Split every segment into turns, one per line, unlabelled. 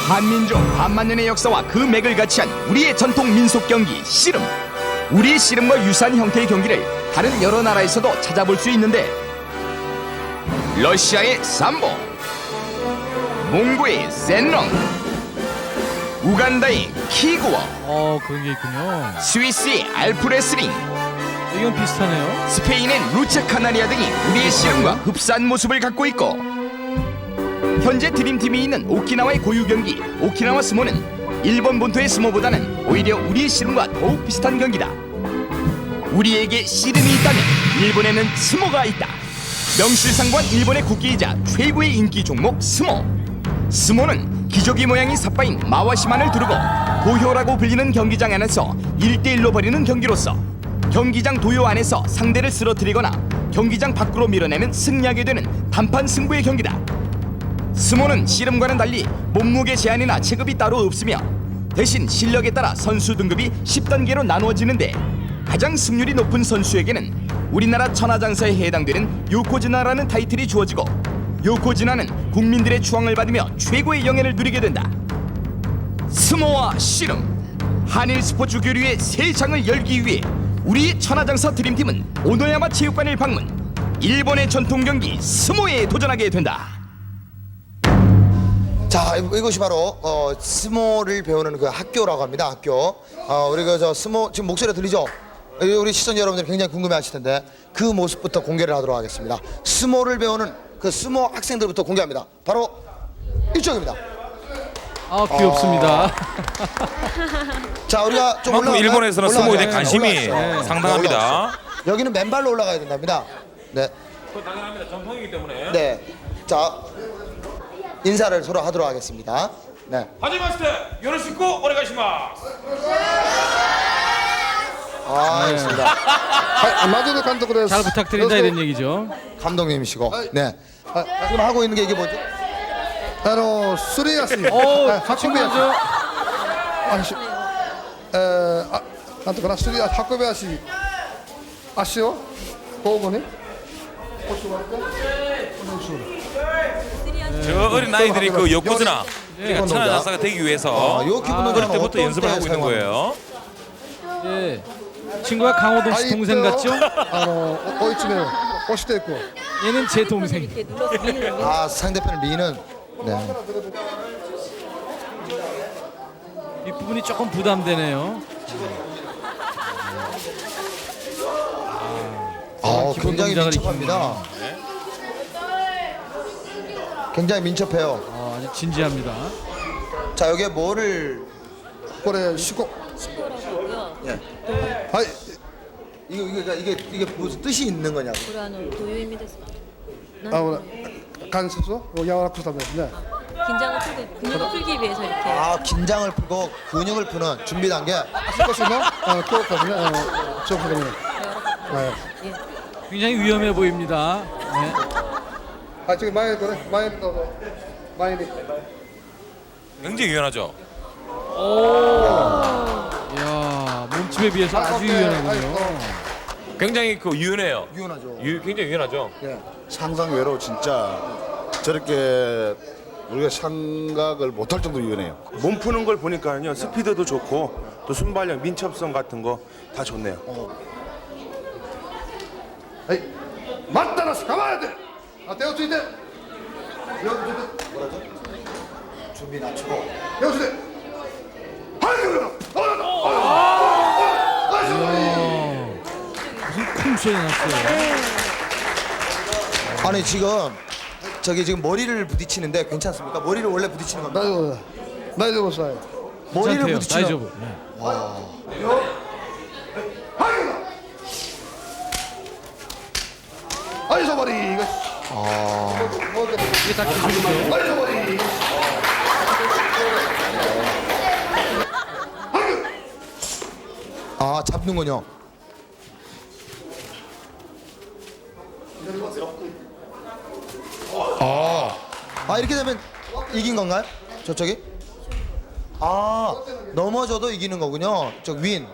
한민족 반만년의 역사와 그 맥을 같이 한 우리의 전통 민속 경기 씨름. 우리의 씨름과 유사한 형태의 경기를 다른 여러 나라에서도 찾아볼 수 있는데 러시아의 삼보, 몽고의 센렁, 우간다의 키구어,
그런 게 있군요.
스위스의 알프레슬링,
이건 비슷하네요.
스페인의 루체 카나리아 등이 우리의 씨름과 흡사한 모습을 갖고 있고 현재 드림팀이 있는 오키나와의 고유 경기 오키나와 스모는 일본 본토의 스모보다는 오히려 우리의 씨름과 더욱 비슷한 경기다. 우리에게 씨름이 있다면 일본에는 스모가 있다. 명실상부한 일본의 국기이자 최고의 인기 종목 스모. 스모는 기저귀 모양이 삿바인 마와시만을 두르고 도효라고 불리는 경기장 안에서 1대1로 벌이는 경기로서 경기장 도요 안에서 상대를 쓰러뜨리거나 경기장 밖으로 밀어내면 승리하게 되는 단판 승부의 경기다. 스모는 씨름과는 달리 몸무게 제한이나 체급이 따로 없으며 대신 실력에 따라 선수 등급이 10단계로 나누어지는데 가장 승률이 높은 선수에게는 우리나라 천하장사에 해당되는 요코즈나라는 타이틀이 주어지고 요코즈나는 국민들의 추앙을 받으며 최고의 영예를 누리게 된다. 스모와 씨름, 한일 스포츠 교류의 새 장을 열기 위해 우리 천하장사 드림팀은 오노야마 체육관을 방문, 일본의 전통 경기 스모에 도전하게 된다.
자, 이것이 바로 스모를 배우는 그 학교라고 합니다. 학교. 우리 그 저 스모 지금 목소리 들리죠? 우리 시청자 여러분들 굉장히 궁금해하실 텐데 그 모습부터 공개를 하도록 하겠습니다. 스모를 배우는 그 스모 학생들부터 공개합니다. 바로 이쪽입니다.
귀엽습니다.
자, 우리가 좀
그만큼 일본에서는 스모에 대한 관심이
올라가죠.
상당합니다.
여기는 맨발로 올라가야 된답니다. 네.
당연합니다. 전통이기 때문에.
네. 자, 인사를 서로 하도록 하겠습니다. 네.
하지마시테 요로시쿠 오네가시마스.
알겠습니다.
마지노 감독
잘 부탁드린다 이런 얘기죠.
감독님이시고. 네. 지금 하고 있는 게 이게 뭐죠?
すり足
친구죠.
なんとかなすり足運び足足を交互に
저 어린 아이들이 그 요코즈나 우리가 천하장사가 되기 위해서
요 기분은
어릴 때부터
어떤
연습을
때
하고 있는
사용합니까?
거예요.
예. 친구가 강호동 씨 동생 같죠?
追い詰めを押していく
얘는 제 동생.
이렇게 눌러서 미는
아, 상대편 리는 네.
뒷부분이 조금 부담되네요. 기본
굉장히
동작을
민첩합니다. 굉장히 민첩해요.
아주 진지합니다.
자, 여기에 뭐를
これ四股
식도라고요.
예.
はい
이게 무슨 뜻이 있는 거냐고.
これどういう意味ですか?
関節を柔らかくするためですね
긴장을 풀고 근육을 풀기 위해서 이렇게.
아, 긴장을 풀고 근육을 푸는 준비 단계.
少しの強化ですね強化ですねはい
굉장히 위험해 보입니다. 네.
はい次前へとね前にどうぞ前に
굉장히 유연하죠.
이야, 몸집에 비해서 아주 유연하군요.
굉장히 그 유연해요.
유연하죠.
굉장히 유연하죠.
상상 외로 진짜 저렇게 우리가 생각을 못할 정도로 유연해요.
몸 푸는 걸 보니까요 스피드도 좋고 또 순발력, 민첩성 같은 거 다 좋네요.
はい待ったなし構えて手をついて
준비 낮추고.
手をついて
무슨 쿵 소리 났어요.
아니, 지금 머리를 부딪히는데 괜찮습니까? 머리를 원래 부딪히는 겁니다.
大丈夫です
머리를
괜찮대요.
부딪히는.
다이저브. 네.
はいそばに
이게 다 기술이죠.
아, 잡는군요. 아, 이렇게 되면 이긴 건가요? 저쪽이? 아, 넘어져도 이기는 거군요. 저 윈.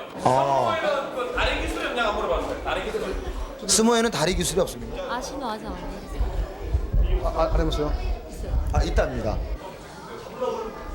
다리 기술이 없냐고 물어봤어요. 다리 기술.
스모에는 다리 기술이 없습니다.
아시노 아자 안
ありますよ
아, 있답니다.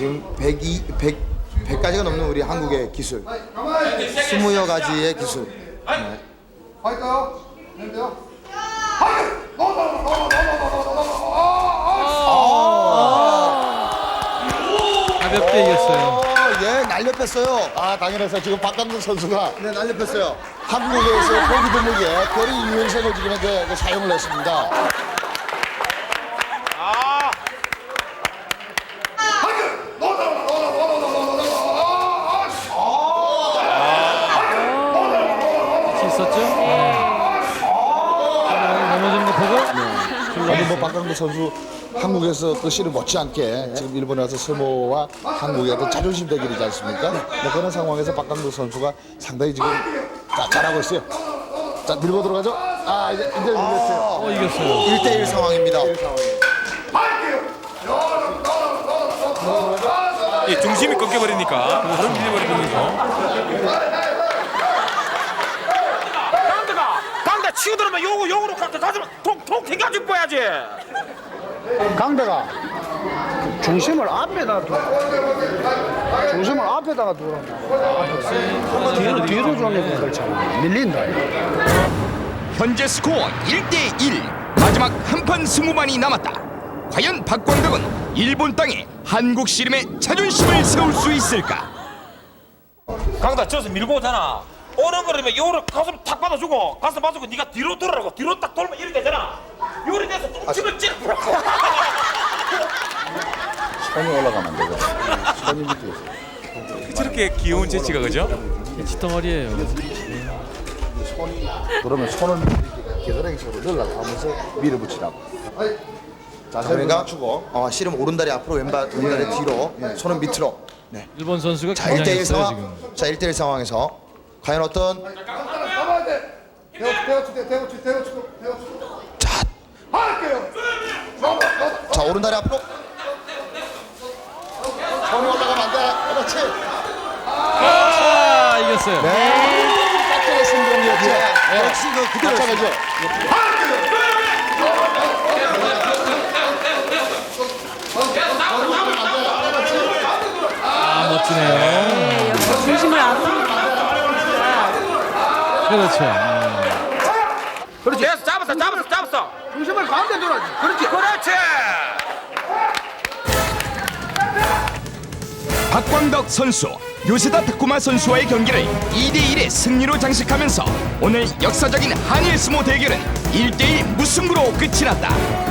지금 100가지가 넘는 우리 한국의 기술, 20여 가지의 기술. 네.
할까요? 된대요?
가볍게 이겼어요.
예, 날려 뺐어요.
아, 당연해서 지금 박강국 선수가
네, 날려 뺐어요.
한국에서 보기 드물게 거리 유연성을 지금 이제 사용을 했습니다.
있었죠? 네. 넘어지는 거 보고
아니 뭐 박강국 선수 한국에서 그 씨를 못지않게 지금 일본에 와서 스모와 한국의 어떤 자존심 대결이지 않습니까? 뭐 그런 상황에서 박강국 선수가 상당히 지금 잘하고 있어요. 자 밀고 들어가죠. 아 이제 밀렸어요.
이겼어요.
1대1 상황입니다.
예, 중심이 꺾여버리니까 바로 밀려버리는 거죠. 강대 치고 들어오면 요거로 강대 다시 통 튕겨줄 거야지.
강대가 중심을 앞에다가 두란다. 뒤로 주는 그렇잖아. 밀린다.
현재 스코어 1대1. 마지막 한판 승부만이 남았다. 과연 박광덕은 일본 땅에 한국 씨름의 자존심을 세울 수 있을까?
강대 저서 밀고 오잖아. 오는 거라면 요거를 가슴 탁 받아주고 가슴 받아주고 네가 뒤로 돌아라고 뒤로 딱 돌면 이렇게 되잖아. 요리 돼서 똥침을 찌르라고.
손이 올라가면 안 되고 손이 밑에 있어요.
저렇게 귀여운 재치가 그죠?
덩어리예요.
그러면 손을 겨드랑이 속으로 넣으려고 하면서 밀어붙이라고. 자세를
그러니까
맞추고
씨름 오른다리 앞으로 왼다리 뒤로, 손은 밑으로. 네.
일본 선수가
자, 1대1
긴장했어요
상황.
지금.
자, 1대1 상황에서 과연 어떤
잡아야 돼. 대우치고.
자,
할게요.
자, 오른다리 앞으로.
손이 올라가면 안 돼. 그렇지.
아, 이겼어요.
깍지의 신동이었죠.
역시 그 그대로
마찬가지죠.
아, 멋지네요.
중심을 앞으로.
그렇죠.
그렇지. 됐어, 잡았어.
중심을 가운데 둬야지. 그렇지.
박광덕 선수, 요세다 타쿠마 선수와의 경기를 2대1의 승리로 장식하면서 오늘 역사적인 한일 스모 대결은 1대1 무승부로 끝이 났다.